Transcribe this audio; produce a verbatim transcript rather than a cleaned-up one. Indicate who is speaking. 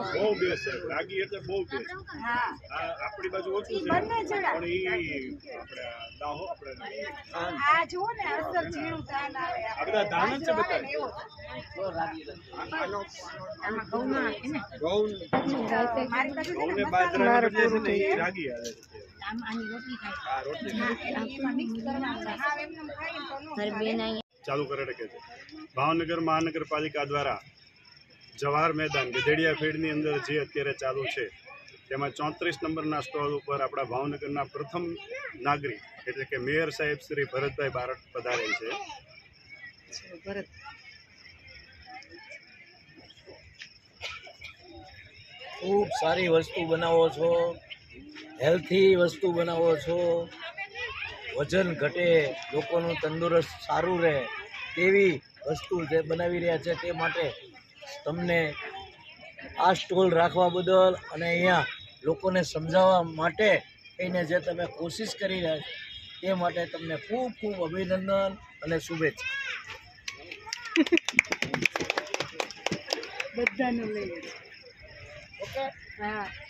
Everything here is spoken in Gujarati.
Speaker 1: બહુ બેસ્ટ છે રાગી એટલે બહુ બેસ્ટ
Speaker 2: હા
Speaker 1: આપણી બાજુ ઓછું છે
Speaker 2: બંને જણા
Speaker 1: પણ ઈ આપણે દાહો આપણે
Speaker 2: આ જુઓ ને અસર ઝીણું ધાન આવે
Speaker 1: આ બધા ધાન જ છે બધા
Speaker 2: આમાં ઘઉં ના નાખે ને
Speaker 1: ઘઉં
Speaker 2: મારી બાજુ છે ને
Speaker 1: ઘઉંને બાજરાને બદલે છે ને ઈ રાગી આવે છે
Speaker 2: આમ આની રોટલી ખાય
Speaker 1: આ રોટલી
Speaker 2: એમાં મિક્સ કરવાનું છે હા એમને ખાઈ તો નો
Speaker 1: ચાલુ કરે કે છે ભાવનગર મહાનગરપાલિકા દ્વારા જવાહર મેદાન ગધેડિયા ફીલ્ડની અંદર જે અત્યારે ચાલુ છે તેમાં ચોત્રીસ નંબરના સ્ટોલ ઉપર આપણા ભાવનગરના પ્રથમ નાગરિક એટલે કે મેયર સાહેબ શ્રી ભરતભાઈ બારડ પધારેલ છે.
Speaker 2: ભરત
Speaker 3: ખૂબ સારી વસ્તુ બનાવો છો, હેલ્થી વસ્તુ બનાવો છો, વજન ઘટે, લોકોનું તંદુરસ્ત સારું રહે તેવી વસ્તુ જે બનાવી રહ્યા છે તે માટે તમને આ સ્ટોલ રાખવા બદલ અને અહીંયા લોકોને સમજાવવા માટે થઈને જે તમે કોશિશ કરી રહ્યા છો તે માટે તમને ખૂબ ખૂબ અભિનંદન અને શુભેચ્છા.
Speaker 2: બધાનું લઈ ઓકે હા